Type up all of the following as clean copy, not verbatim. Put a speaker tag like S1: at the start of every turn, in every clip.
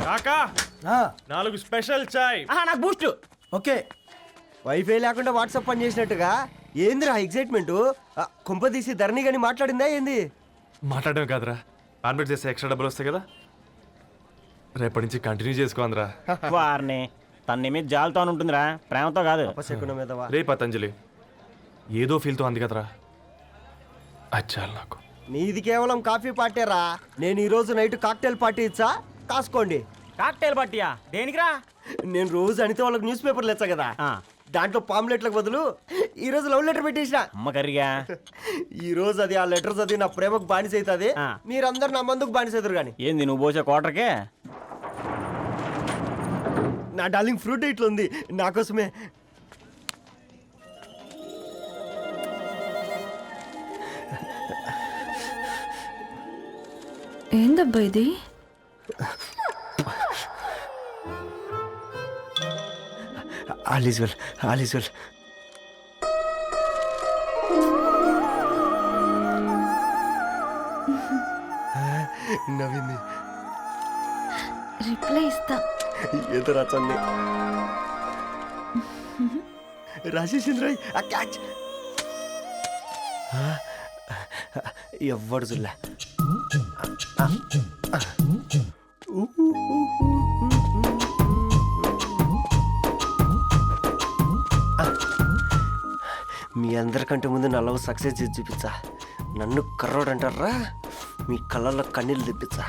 S1: కాకా 4 స్పెషల్ చాయ్.
S2: నాకు Boost.
S3: Okay. WiFi లేకుండా వాట్సాప్ పని చేసినట్టుగా ఏందిరా ఎగ్జైట్మెంట్? కుంప తీసి ధరణి గాని మాట్లాడిందా ఏంది?
S1: మాట్లాడడం కాదురా, కాన్వర్ట్ చేస్తే ఎక్స్ట్రా డబ్బులు వస్తాయి కదా, రేపటి నుంచి కంటిన్యూ చేసుకోందిరా.
S2: వారిని తన మీద జాలతో ఉంటుందిరా, ప్రేమతో కాదు.
S1: రే పతంజలి, ఏదో ఫీల్తో అంది కదరా, అచ్చాలి నాకు.
S3: నీది కేవలం కాఫీ పార్టీరా. నేను ఈ రోజు నైట్ కాక్టైల్ పార్టీ ఇచ్చా, కాసుకోండి.
S2: కాక్టైల్ పార్టీయా? దేనికిరా?
S3: నేను రోజు అనితే వాళ్ళకి న్యూస్ పేపర్లు ఇచ్చా కదా, దాంట్లో పాంప్లెట్లకు బదులు ఈ రోజు లవ్ లెటర్ పెట్టేసిన.
S2: అమ్మ కర్రీగా
S3: ఈ రోజు అది ఆ లెటర్ చదివి నా ప్రేమకు బానిస అవుతుంది, మీరందరు నా మందుకు బానిస అవుతారు. కానీ
S2: ఏంది నువ్వు పోసే కోటర్కే?
S3: నా డార్లింగ్ ఫ్రూట్ ఇట్లా ఉంది నా కోసమే.
S4: ఏందబ్బా ఇది?
S3: All is well, all is well. నవ్వింది.
S4: రిప్లై ఇస్తా.
S3: ఏదో రాచండి రాజేసింద్ర క్యాచ్. ఎవ్వడు జుల్లా. మీ అందరికంటే ముందు నా లవ్ సక్సెస్ చేసి చూపించా. నన్ను కర్రోడు అంటారా, మీ కళ్ళల్లో కన్నీళ్ళు తెప్పించా.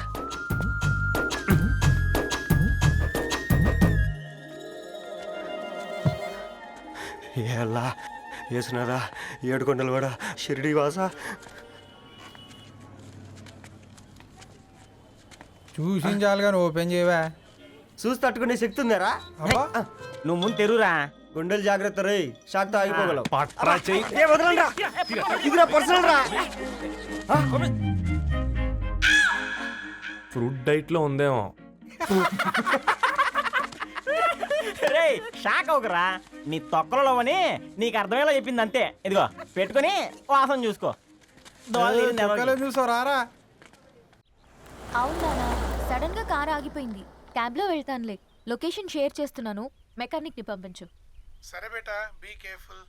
S3: ఎలా వేసినారా ఏడుకొండలు కూడా షిరిడి వాస.
S5: చూసించాలి కానీ ఓపెన్ చేయవా?
S3: చూసి తట్టుకునే శక్తి ఉందారా?
S2: నువ్వు ముందు తెరురా.
S3: గుండెలు జాగ్రత్త రే, షాక్తో ఆగిపోగలవు.
S1: పట్రా చెయ్యి.
S3: ఇదిరా పర్సనల్ రా.
S1: ఫ్రూట్ డైట్ లో ఉందేమో.
S2: రే షాక్ అవకరా, నీ తొక్కలలో అని నీకు అర్థమయ్యేలా చెప్పింది అంతే. ఇదిగో పెట్టుకొని వాసన చూసుకో.
S5: చూసారా?
S4: అవునా, సడన్ గా కార్ ఆగిపోయింది. క్యాబ్ లో వెళ్తానులే. లొకేషన్ షేర్ చేస్తున్నాను, మెకానిక్ ని పంపించు.
S5: సరే బేటా, be careful.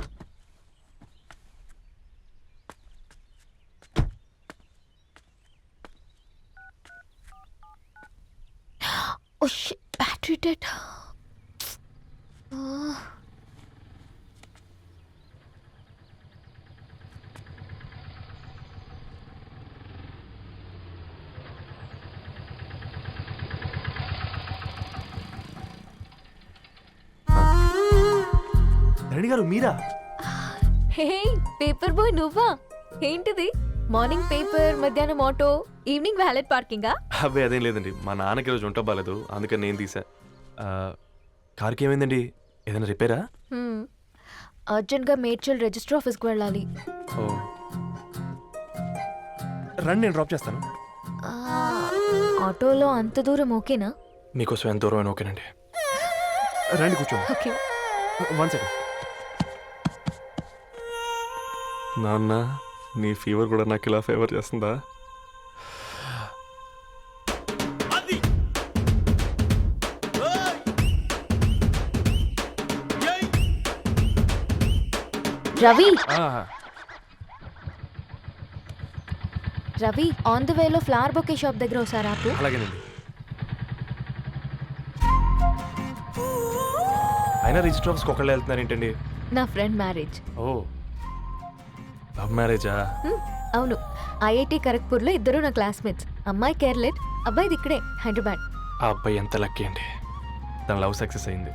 S4: Oh shit, battery dead.
S1: Dharani గారు మీరా?
S4: హే పేపర్ బాయ్, నువ్వా? ఏంటిది? మార్నింగ్ పేపర్, మధ్యాహ్నం ఆటో, ఈవినింగ్ వ్యాలెట్ పార్కింగా?
S1: అబ్బాయి అదేం లేదండి, మా నాన్నకి రోజు ఉంట బాగాలేదు, అందుకని నేను తీసా. కార్కి ఏమైందండి? ఏదైనా రిపేరా?
S4: అర్జెంట్ గా మేడ్చల్ రిజిస్టర్ ఆఫీస్కి వెళ్ళాలి.
S1: ఓ రండి, నేను డ్రాప్ చేస్తాను.
S4: ఆటోలో అంత దూరం ఓకేనా?
S1: మీకోసం ఎంత దూరం అయినా ఓకేనండి. రండి కూర్చోండి.
S4: ఓకే.
S1: 1 సెకండ్. నాన్న, నీ ఫీవర్ కూడా నాకు ఇలా ఫేవర్ చేస్తుందా?
S4: రవి, రవి ఆన్ ద వేలో ఫ్లవర్ బొకే షాప్ దగ్గర ఒకసారి ఆపు.
S1: అలాగేనండి. అయినా రిజిస్టర్ ఆఫీస్కి ఒకళ్ళు వెళ్తున్నారు ఏంటండి?
S4: నా ఫ్రెండ్ మ్యారేజ్.
S1: ఓ, లవ్ మ్యారేజా?
S4: అవును, ఐఐటి ఖరగ్పూర్లో ఇద్దరు నా క్లాస్మేట్స్. అమ్మాయి కేర్లెట్, అబ్బాయిది ఇక్కడే హైదరాబాద్.
S1: ఆ అబ్బాయి ఎంత లక్కీ అండి, తన లవ్ సక్సెస్ అయింది.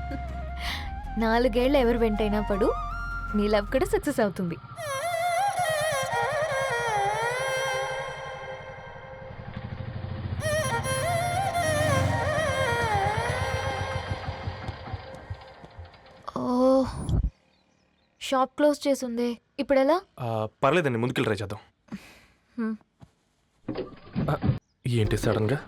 S4: 4 ఏళ్ళు ఎవరు వెంటైనా పడు, నీ లవ్ కూడా సక్సెస్ అవుతుంది. ఓ, షాప్ క్లోజ్ చేసిందే, ఇప్పుడు ఎలా?
S1: పర్లేదండి, ముందుకెళ్ళి ట్రై చేద్దాం. ఏంటి సడన్గా?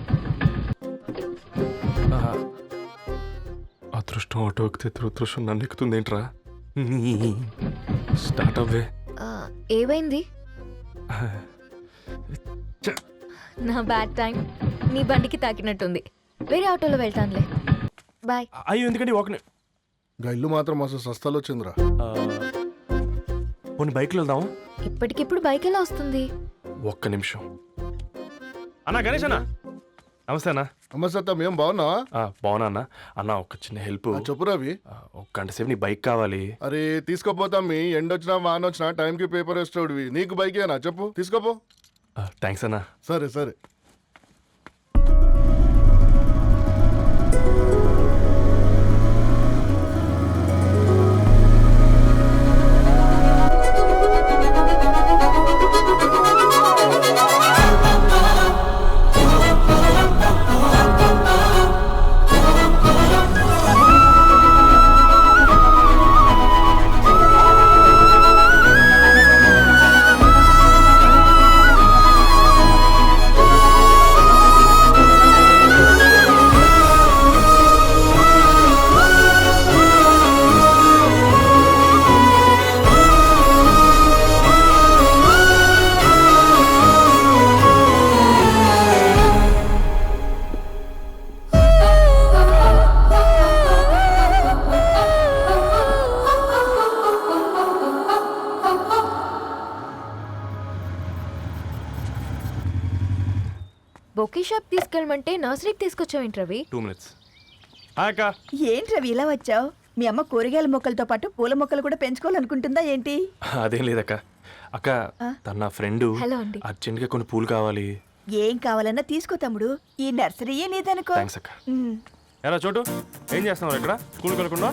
S1: అదృష్టం ఆటో ఎక్కితే దురదృష్టం నన్ను ఎక్కుతుంది ఏంట్రా? స్టార్ట్ అవ్వే.
S4: ఏమైంది? నా బ్యాడ్ టైం. నీ బండికి తాకినట్టుంది. వేరే ఆటోలో వెళ్తానులే. బాయ్.
S1: అయ్యో ఎందుకండి ఒక
S6: గా ఇల్లు మాత్రం అసలు సస్తాలు వచ్చిందిరా.
S1: కొన్ని బైక్లో వెళ్దాం.
S4: ఇప్పటికిప్పుడు బైక్ ఎలా వస్తుంది?
S1: ఒక్క నిమిషం. అన్నా గణేష్ అన్న, నమస్తే అన్న.
S6: నమస్తే, ఏం బాగున్నావా?
S1: బాగున్నా అన్న. అన్న ఒక చిన్న హెల్ప్.
S6: చెప్పు రవి.
S1: ఒక గంట సేపు నీ బైక్ కావాలి.
S6: అరే తీసుకోపోతాం, మీ ఎండొచ్చినా వానొచ్చినా టైంకి పేపర్ వేస్తాడువి. నీకు బైకేనా చెప్పు, తీసుకోపో.
S1: థ్యాంక్స్ అన్న.
S6: సరే సరే.
S4: బొకే షాప్ తీసుకెళ్ళమంటే నర్సరీకి తీసుకొచ్చావేంటి రవి?
S1: 2 minutes. హాయ్ అక్క.
S7: ఏంటి రవి ఇలా వచ్చావు? మీ అమ్మ కూరగాయల మొక్కలతో పాటు పూల మొక్కలు కూడా పెంచుకోవాలనుకుంటుందా ఏంటి?
S1: అదేం లేదక్క. అక్క తన నా ఫ్రెండ్
S4: హలో అండి.
S1: అర్జెంట్గా కొన్ని పూలు కావాలి.
S7: ఏం కావాలన్నా తీసుకో తమ్ముడు, ఈ నర్సరీయే నీదనుకో.
S1: థ్యాంక్స్ అక్క.
S7: ఉమ్.
S1: ఎలా చోటు ఏం చేస్తున్నావు ఇక్కడ? స్కూల్కి వెళ్ళకుండా?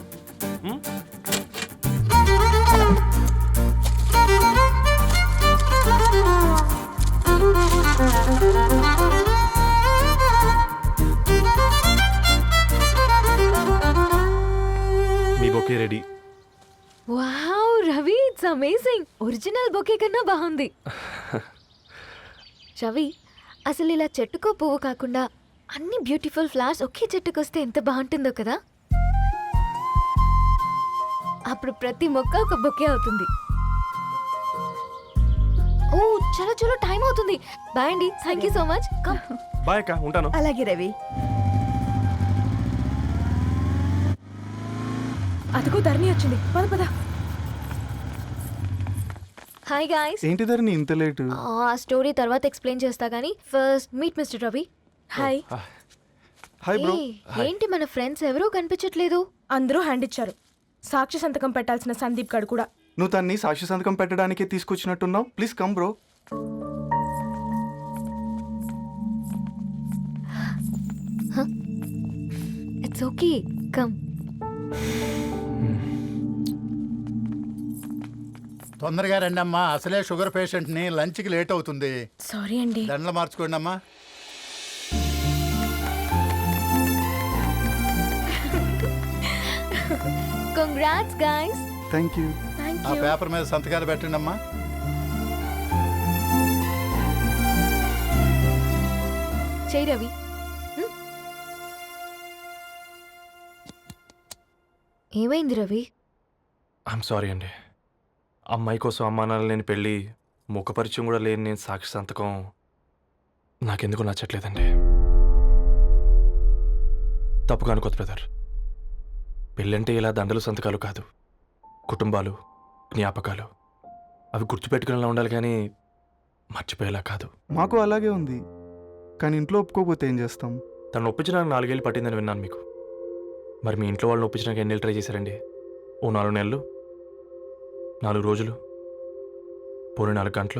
S1: మీ bouquet ready.
S4: Wow Ravi, it's amazing. Original bouquet కన్నా బాగుంది. రవి, అసలు ఇలా చెట్టుకో పువ్వు కాకుండా అన్ని బ్యూటిఫుల్ ఫ్లవర్స్ ఒకే చెట్టుకు వస్తే ఎంత బాగుంటుందో కదా. అప్పుడు ప్రతి మొక్క ఒక బొకే అవుతుంది. ఓ చలో చలో, టైం అవుతుంది. బాయ్ అండి, thank you so much. Come.
S1: Bye అక్క, ఉంటాను.
S7: అలాగే రవి.
S8: అదిగో ధరణి వచ్చింది, పద పద.
S4: Hi guys.
S9: ఏంటి ధరణి ఇంత లేటు?
S4: ఆ స్టోరీ తర్వాత ఎక్స్ప్లెయిన్ చేస్తా గానీ first meet mister Ravi.
S8: Hi.
S9: Hi bro.
S4: ఏంటి మన ఫ్రెండ్స్ ఎవరూ కనిపించట్లేదు?
S8: అందరూ హ్యాండ్ ఇచ్చారు. సాక్షి సంతకం పెట్టాల్సిన సందీప్ గడు కూడా.
S9: నువ్వు తన్ని సాక్షి సంతకం పెట్టడానికే తీసుకొచ్చినట్టున్నావు. Please come bro.
S4: It's okay, come.
S10: తొందరగా రండి అమ్మా, అసలే షుగర్ పేషెంట్ ని, లంచ్ కి లేట్ అవుతుంది.
S8: సారీ అండి.
S10: దండలు మార్చుకోండి అమ్మా.
S4: Congrats guys.
S9: Thank you.
S10: ఆ పేపర్ మీద సంతకాలు పెట్టండి అమ్మా.
S4: చెయ్ రవి. ఏమైంది రవి?
S1: ఐఎమ్ సారీ అండి. అమ్మాయి కోసం అమ్మా నాన్న లేని పెళ్ళి, ముఖపరిచయం కూడా లేని నేను సాక్షి సంతకం నాకెందుకు నచ్చట్లేదండి. తప్పుగా అనుకోదు బ్రదర్. పెళ్ళంటే ఇలా దండలు సంతకాలు కాదు, కుటుంబాలు, జ్ఞాపకాలు. అవి గుర్తుపెట్టుకునేలా ఉండాలి కానీ మర్చిపోయేలా కాదు.
S9: మాకు అలాగే ఉంది, కానీ ఇంట్లో ఒప్పుకోకపోతే ఏం చేస్తాం?
S1: తను ఒప్పించడానికి 4 ఏళ్ళు పట్టిందని విన్నాను మీకు. మరి మీ ఇంట్లో వాళ్ళని ఒప్పించడానికి ఎన్ని ట్రై చేశారండి? ఓ 4 నెలలు, 4 రోజులు, పోనీ 4 గంటలు,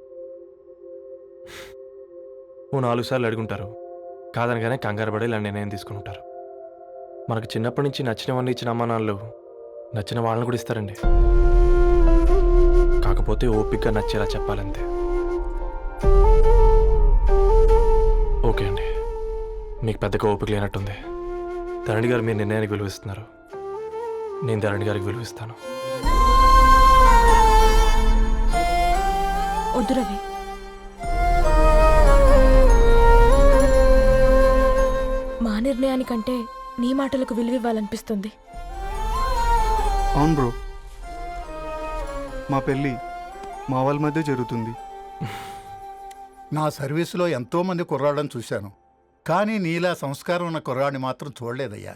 S1: ఓ 4 సార్లు అడుగుంటారు. కాదనగానే కంగారు పడి ఇలా నిర్ణయం తీసుకుని ఉంటారు. మనకు చిన్నప్పటి నుంచి నచ్చినవన్నీ ఇచ్చిన అమ్మా నాన్నలు నచ్చిన వాళ్ళని కూడా ఇస్తారండి. కాకపోతే ఓపికగా నచ్చేలా చెప్పాలంతే. ఓకే అండి, మీకు పెద్దగా ఓపిక లేనట్టుంది. ధరణి గారు మీ నిర్ణయానికి విలువిస్తున్నారు, నేను ధరణి గారికి విలువిస్తాను.
S8: వద్దు రవి. మా నిర్ణయానికంటే నీ మాటలకు విలువివ్వాలనిపిస్తుంది.
S9: అవును బ్రో, మా పెళ్ళి మా వాళ్ళ మధ్య జరుగుతుంది.
S10: నా సర్వీసులో ఎంతో మంది కుర్రాళ్ళని చూశాను. కానీ నీలా సంస్కారం ఉన్న కుర్రాడిని మాత్రం చూడలేదయ్యా.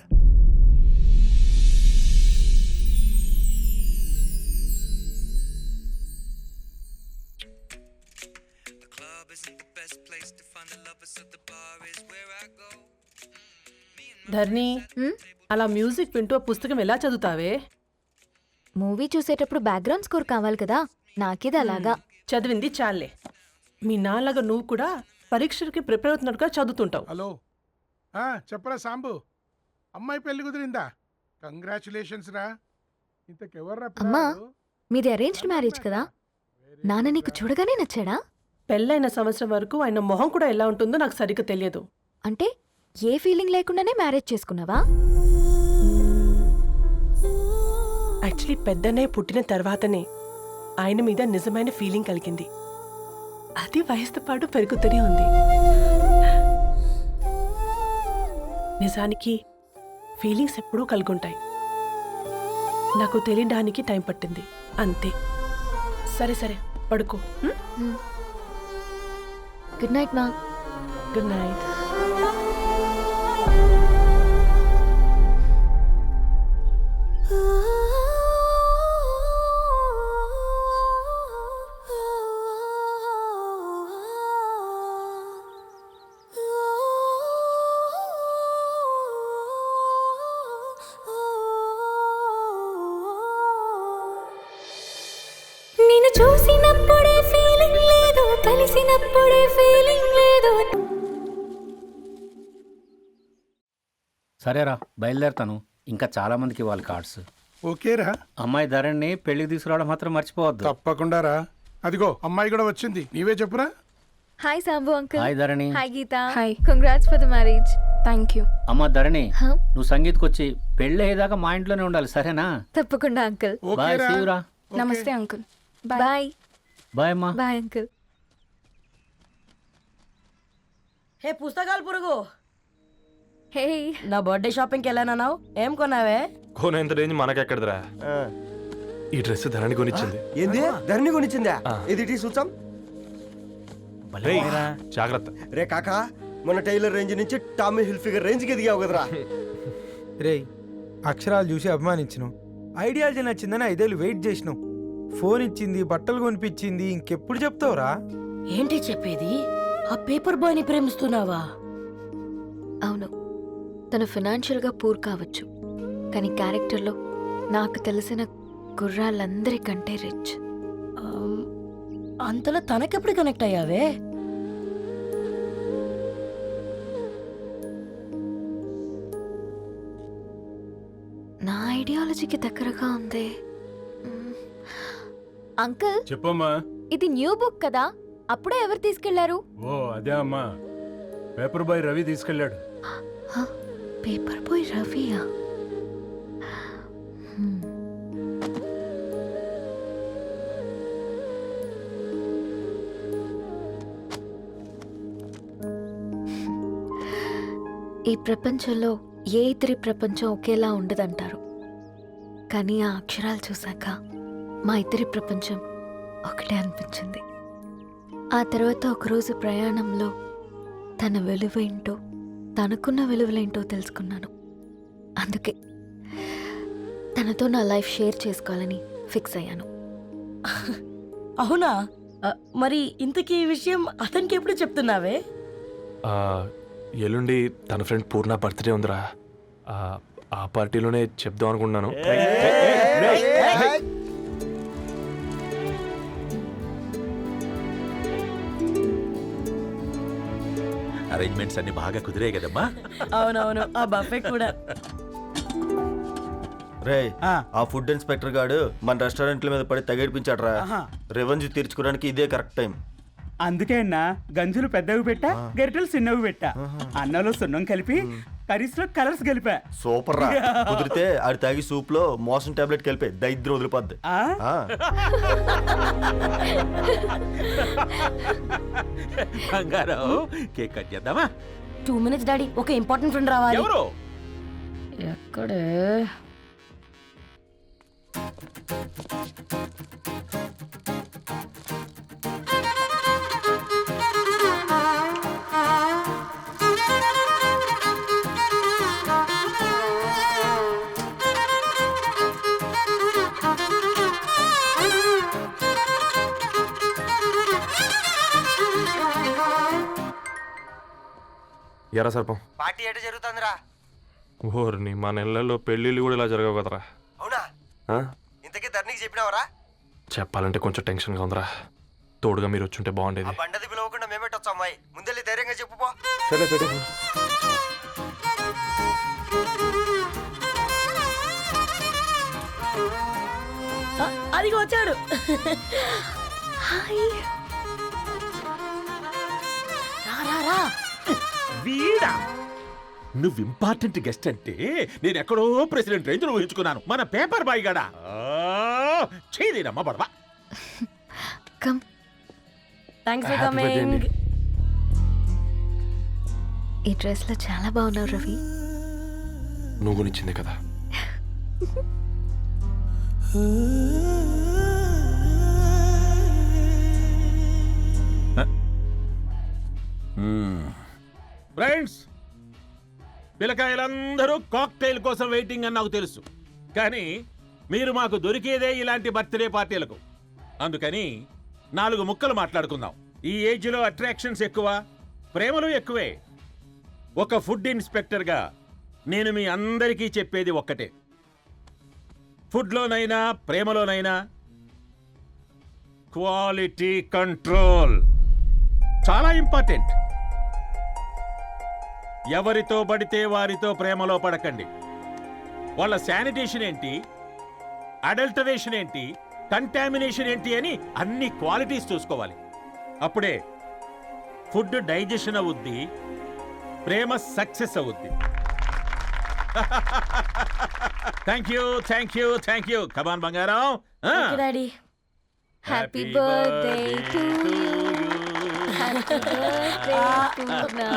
S8: ధర్ని
S4: హ్మ్?
S8: అలా మ్యూజిక్ వింటూ ఆ పుస్తకం ఎలా చదువుతావే?
S4: మూవీ చూసేటప్పుడు బ్యాక్గ్రౌండ్ స్కోర్ కావాలి కదా, నాకిది అలాగా.
S8: చదివింది చాలే. మీ నాన్నగా నువ్వు కూడా పరీక్షలకి ప్రిపేర్ అవుతున్నట్టుగా చదువుతుంటావు.
S5: హలో చెప్పరా సాంబు, అమ్మాయి పెళ్లి కుదిరిందా? కంగ్రాచులేషన్స్ రా. ఇంతకెవర్రా
S4: అమ్మా,
S5: పిల్లాడు?
S4: మీది అరేంజ్డ్ మ్యారేజ్ కదా, నాన్న నీకు చూడగానే నచ్చాడా?
S8: పెళ్ళైన సంవత్సరం వరకు ఆయన మొహం కూడా ఎలా ఉంటుందో నాకు సరిగ్గా తెలియదు.
S4: అంటే ఏ ఫీలింగ్ లేకుండానే మ్యారేజ్ చేసుకున్నావా?
S8: యాక్చువల్లీ పెద్దనే పుట్టిన తర్వాతనే ఆయన మీద నిజమైన ఫీలింగ్ కలిగింది. అది వయసుతో పాటు పెరుగుతూనే ఉంది. నిజానికి ఫీలింగ్స్ ఎప్పుడూ కలుగుంటాయి. నాకు తెలియడానికి టైం పట్టింది అంతే. సరే సరే పడుకో.
S4: గుడ్ నైట్ మా.
S8: Good night.
S4: నిన్ను చూసినప్పుడే ఫీలింగ్ లేదు, కలిసినప్పుడే ఫీలింగ్ లేదు.
S2: సరేరా, బయలుదేరుతాను. ఇంకా చాలా మందికి ఇవ్వాలి కార్డ్స్.
S5: ఓకేరా,
S2: అమ్మాయి ధరణి పెళ్లికి తీసుకురావడం మాత్రం మర్చిపోవద్దు.
S5: తప్పకుండా రా. అదిగో అమ్మాయి కూడా వచ్చింది, నీవే చెప్పురా.
S4: Hi Sambu uncle.
S2: Hi Dharani.
S4: Hi Geetha.
S8: Hi.
S4: Congrats for the marriage.
S8: Thank you.
S2: అమ్మ ధరణి,
S4: హ?
S2: నువ్వు సంగీత్కి వచ్చి పెళ్ళి అయ్యేదాకా మా ఇంట్లోనే ఉండాలి, సరేనా?
S4: తప్పకుండా అంకుల్.
S2: బాయ్,
S5: ఓకేరా.
S2: సీ యు రా.
S5: ఓకే.
S8: నమస్తే అంకుల్.
S4: బాయ్.
S2: బాయ్ అమ్మా.
S4: Bye uncle.
S11: హే పుస్తకాలు పురుగు,
S4: హే,
S11: నా బర్త్డే షాపింగ్కి వెళ్ళానన్నావు, ఏం కొన్నావే?
S1: కోనేంత రేంజ్ మనకెక్కడదిరా.
S3: ఆ,
S1: ఈ డ్రెస్ ధరణి కొనిచ్చింది.
S3: ఏంది ధరణి కొనిచ్చిందా?
S1: ఆ.
S3: ఇది చూసాం.
S1: రేయ్, జాగ్రత్త.
S3: రే కాకా, మన టైలర్ రేంజ్ నుంచి టామీ హిల్ఫిగర్ రేంజ్కి ఎదిగావు కదరా.
S5: రేయ్, అక్షరాలు చూసి అభిమానించను, ఐడియాలజీ నచ్చిందని 5 ఏళ్ళు వెయిట్ చేసినావు. ఫోన్ ఇచ్చింది, బట్టలు కొనిపించింది, ఇంకెప్పుడు చెప్తావురా?
S11: ఏంటి చెప్పేది? ఆ పేపర్ బాయ్ని ప్రేమిస్తున్నావా?
S4: అవును, తను ఫినాన్షియల్గా పూర్ కావచ్చు, కానీ క్యారెక్టర్లో నాకు తెలిసిన గుర్రాలందరికంటే రిచ్.
S11: అంతలో తనకెప్పుడు కనెక్ట్ అయ్యావే?
S4: నా ఐడియాలజీకి దగ్గరగా ఉంది. అంకుల్,
S5: చెప్పమ్మా.
S4: ఇది న్యూ బుక్ కదా, అప్పుడే ఎవరు తీసుకెళ్లారు?
S5: ఓ అదే అమ్మా, పేపర్ బాయ్ రవి తీసుకెళ్ళాడు.
S4: పేపర్ బాయ్ రవియా? ఈ ప్రపంచంలో ఏ ఇద్దరి ప్రపంచం ఒకేలా ఉండదంటారు, కానీ ఆ అక్షరాలు చూశాక మా ఇద్దరి ప్రపంచం ఒకటే అనిపించింది. ఆ తర్వాత ఒకరోజు ప్రయాణంలో తన విలువేంటో, తనకున్న విలువలేంటో తెలుసుకున్నాను. అందుకే తనతో నా లైఫ్ షేర్ చేసుకోవాలని ఫిక్స్ అయ్యాను.
S11: అవునా? మరి ఇంతకీ ఈ విషయం అతనికి ఎప్పుడు చెప్తున్నావే?
S1: ఆ, ఎల్లుండి తన ఫ్రెండ్ పూర్ణ బర్త్డే ఉందిరా. ఆ పార్టీలోనే చెప్దాం అనుకున్నాను.
S12: అరేంజ్మెంట్స్ అన్ని బాగా కుదిరే కదమ్మా.
S11: అవునవును, ఆ బఫే కూడా.
S3: రే, ఆ ఫుడ్ ఇన్స్పెక్టర్ గాడు మన రెస్టారెంట్ల మీద పడి తగేడిపించాడు రా. రెవెన్యూ తీర్చుకోవడానికి ఇదే కరెక్ట్ టైం.
S2: అందుకే అన్న గంజులు పెద్దవి పెట్టా, గరిటెలు చిన్నవి పెట్టా. అన్నంలో సున్నం కలిపి కర్రీస్ లో కలర్స్ కలిపా.
S3: సూపర్ రా. కుదిరితే ఆడి తాగి సూప్ లో మోషన్ టాబ్లెట్ కలిపే దైద్రం వదిలిపోద్ది.
S12: బంగారం, కేక్ కట్ చేద్దామా?
S11: 2 minutes డాడీ, ఒక ఇంపార్టెంట్ ఫ్రెండ్ రావాలి.
S12: ఎవరు?
S11: ఎక్కడే?
S1: ఎరా సర్పం
S3: పార్టీ ఎట జరుగుతుందిరా?
S1: ఓర్ని మా నెలల్లో పెళ్ళిళ్ళు కూడా ఇలా జరగవు కదరా.
S3: అవునా?
S1: ఆ?
S3: ఇంతకీ ధరణికి చెప్పినావరా?
S1: చెప్పాలంటే కొంచెం టెన్షన్గా ఉందిరా. తోడుగా మీరు వచ్చుంటే
S3: ఆ
S1: బాగుండేది.
S3: బండది పిలవకుండా మేమేటొచ్చా అమ్మాయి? ముందెళ్ళి ధైర్యంగా చెప్పుపో.
S1: సరే పెట్టే
S11: అదిగో వచ్చాడు.
S4: హాయ్.
S11: రా రా రా.
S12: వీడా నువ్వు ఇంపార్టెంట్ గెస్ట్ అంటే నేను ఎక్కడో ప్రెసిడెంట్ రేంజ్ ఊహించుకున్నాను. మన పేపర్ బాయ్ గడా చేయలేనమ్మా బడవా.
S4: Come.
S11: Thanks for
S1: Happy birthday
S11: coming.
S1: అండి.
S4: ఈ డ్రెస్ లో చాలా బాగున్నావు రవి.
S1: నువ్వు కొనిచ్చిందే కదా.
S12: ఫ్రెండ్స్, పిల్లకాయలందరూ కాక్టైల్ కోసం వెయిటింగ్ అని నాకు తెలుసు. కానీ మీరు మాకు దొరికేదే ఇలాంటి బర్త్డే పార్టీలకు. అందుకని 4 ముక్కలు మాట్లాడుకుందాం. ఈ ఏజ్లో అట్రాక్షన్స్ ఎక్కువ, ప్రేమలు ఎక్కువే. ఒక ఫుడ్ ఇన్స్పెక్టర్గా నేను మీ అందరికీ చెప్పేది ఒక్కటే. ఫుడ్లోనైనా ప్రేమలోనైనా క్వాలిటీ కంట్రోల్ చాలా ఇంపార్టెంట్. ఎవరితో పడితే వారితో ప్రేమలో పడకండి. వాళ్ళ శానిటేషన్ ఏంటి, అడల్టరేషన్ ఏంటి, కంటామినేషన్ ఏంటి అని అన్ని క్వాలిటీస్ చూసుకోవాలి. అప్పుడే ఫుడ్ డైజెషన్ అవుద్ది, ప్రేమ సక్సెస్ అవుద్ది. Thank you thank you thank you. Come on బంగారం.
S11: Okay daddy.
S4: Happy birthday to you. Happy birthday Purna.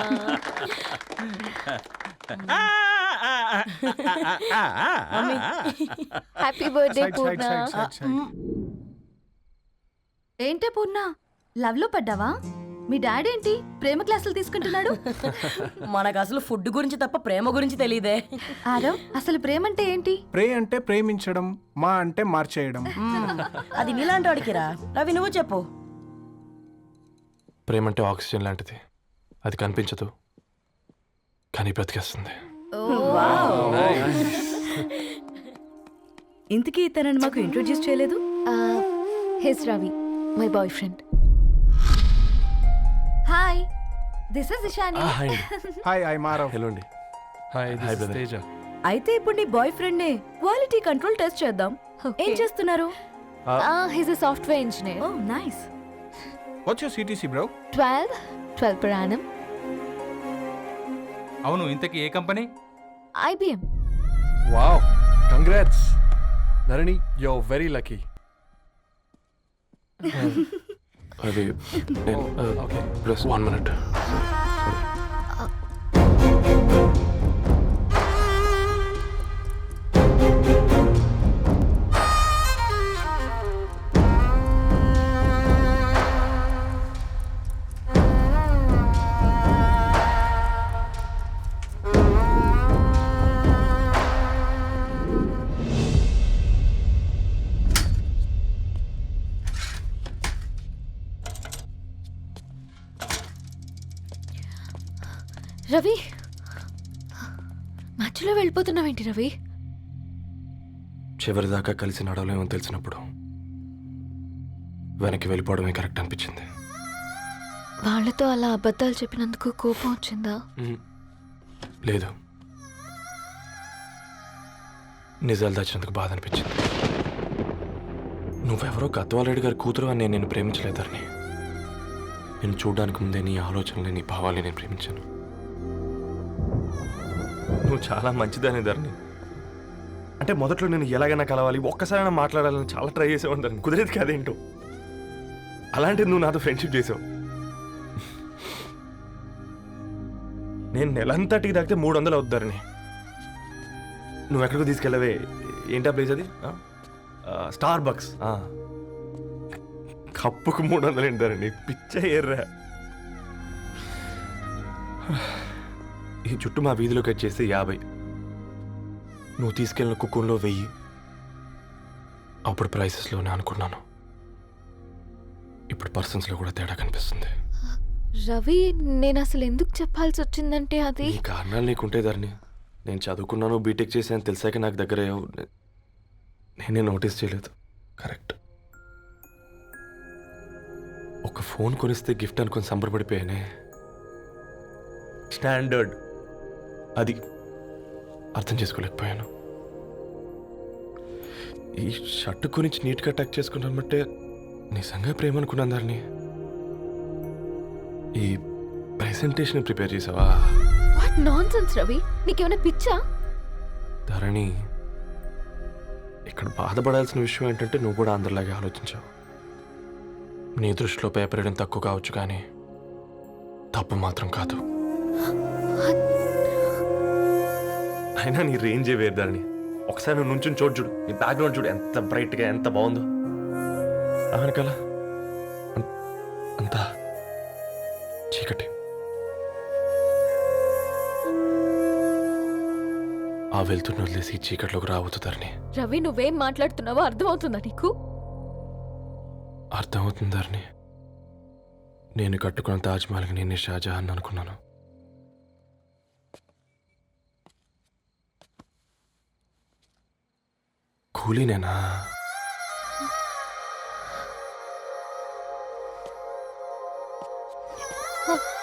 S4: Happy birthday Purna.
S7: ఏంటే పూర్ణ, లవ్ లో పడ్డావా? మీ డాడీ ఏంటి ప్రేమ క్లాసులు తీసుకుంటున్నాడు?
S11: మనకు అసలు ఫుడ్ గురించి తప్ప ప్రేమ గురించి తెలియదే.
S7: ఆరవ్, అసలు ప్రేమ అంటే ఏంటి?
S9: ప్రే అంటే ప్రేమించడం, మా అంటే మార్చేయడం.
S11: అది నీలాంటి వాడికిరా. రవి నువ్వు చెప్పు.
S1: ప్రేమ అంటే ఆక్సిజన్ లాంటిది. అది కనిపించదు కానీ బ్రతికేస్తుంది.
S7: ఇంతకీ తనని మాకు ఇంట్రొడ్యూస్ చేయలేదు.
S4: His Ravi, my boyfriend.
S7: Hi, this is Ishani.
S9: Hi, I మారవ్.
S1: హలో అండి. హాయ్ తేజ.
S7: అయితే ఇప్పుడు నీ బాయ్ ఫ్రెండ్ నే క్వాలిటీ కంట్రోల్ టెస్ట్ చేద్దాం. ఏం చేస్తున్నారు?
S4: His a software engineer.
S7: Oh nice.
S9: What's your CTC bro?
S4: 12 per annum.
S9: అవును, ఇంతకీ ఏ company?
S4: IBM.
S1: Wow, congrats Dharani, you are very lucky. అది ఓకే ప్లస్ 1 minute.
S4: రవి, మధ్యలో వెళ్ళిపోతున్నావేంటి రవి?
S1: చివరిదాకా కలిసి నడవలేమో తెలిసినప్పుడు వెనక్కి వెళ్ళిపోవడమే కరెక్ట్ అనిపించింది.
S4: వాళ్ళతో అలా అబద్ధాలు చెప్పినందుకు కోపం వచ్చిందా?
S1: లేదు, నిజాలు దాచినందుకు బాధ అనిపించింది. నువ్వెవరో గద్వాలరెడ్డి గారి కూతురు అని నేను నిన్ను ప్రేమించలేదని. నేను చూడడానికి ముందే నీ ఆలోచనలు, నీ భావాలని నేను ప్రేమించాను. నువ్వు చాలా మంచిదానే ధరణి. అంటే మొదట్లో నేను ఎలాగైనా కలవాలి, ఒక్కసారైనా మాట్లాడాలని చాలా ట్రై చేసేవాడిని ధరణి. కుదిరేది కాదేంటో. అలాంటిది నువ్వు నాతో ఫ్రెండ్షిప్ చేసావు. నేను నెలంతటికి తాకితే 300 అవుతుంది ధరణి. నువ్వు ఎక్కడికో తీసుకెళ్ళవే, ఏంటా ప్లేస్ అది? Star bucks. కప్పుకు 300 ఏంటి ధరణి, పిచ్చ ఎర్రా. ఈ చుట్టూ మా వీధిలో కట్ చేస్తే 50. నువ్వు తీసుకెళ్ళిన కుక్కర్లో 1000. అప్పుడు ప్రైసెస్లోనే అనుకున్నాను, ఇప్పుడు పర్సన్స్లో కూడా తేడా కనిపిస్తుంది.
S4: రవి నేను అసలు ఎందుకు చెప్పాల్సి వచ్చిందంటే అది
S1: ఈ కారణాలు నీకుంటే ధరణి. నేను చదువుకున్నాను, బీటెక్ చేశాను తెలిసాక నాకు దగ్గర నేనే నోటీస్ చేయలేదు. కరెక్ట్. ఒక ఫోన్ కొనిస్తే గిఫ్ట్ అనుకొని సంబరపడిపోయానే. స్టాండర్డ్ అది అర్థం చేసుకోలేకపోయాను. ఈ షర్ట్ గురించి నీట్గా టక్ చేసుకున్నామంటే నిజంగా ప్రేమ అనుకున్నాను దాన్ని. ఈ ప్రెజెంటేషన్ ప్రిపేర్ చేసావా?
S4: వాట్ నాన్సెన్స్ రవి, నీకేమైనా పిచ్చా?
S1: ధరణి, ఇక్కడ బాధపడాల్సిన విషయం ఏంటంటే నువ్వు కూడా అందరిలాగే ఆలోచించావు. నీ దృష్టిలో పేపర్ వేయడం తక్కువ కావచ్చు కానీ తప్పు మాత్రం కాదు. అయినా నీ రేంజే వేరు ధరణి. ఒకసారి నువ్వు నుంచుని చోటు చూడు, నీ బ్యాక్గ్రౌండ్ చూడు ఎంత బ్రైట్గా ఎంత బాగుందో. వెనకాల అంతా చీకటి. ఆ వెళ్తున్న వదిలేసి ఈ చీకట్లోకి రాబోతుందని.
S4: రవి నువ్వేం మాట్లాడుతున్నావో అర్థమవుతుందా నీకు?
S1: అర్థమవుతుందని. నేను కట్టుకున్న తాజ్మహల్కి నేనే షాజహాన్ అనుకున్నాను. కూలీనేనా?
S4: ఆ,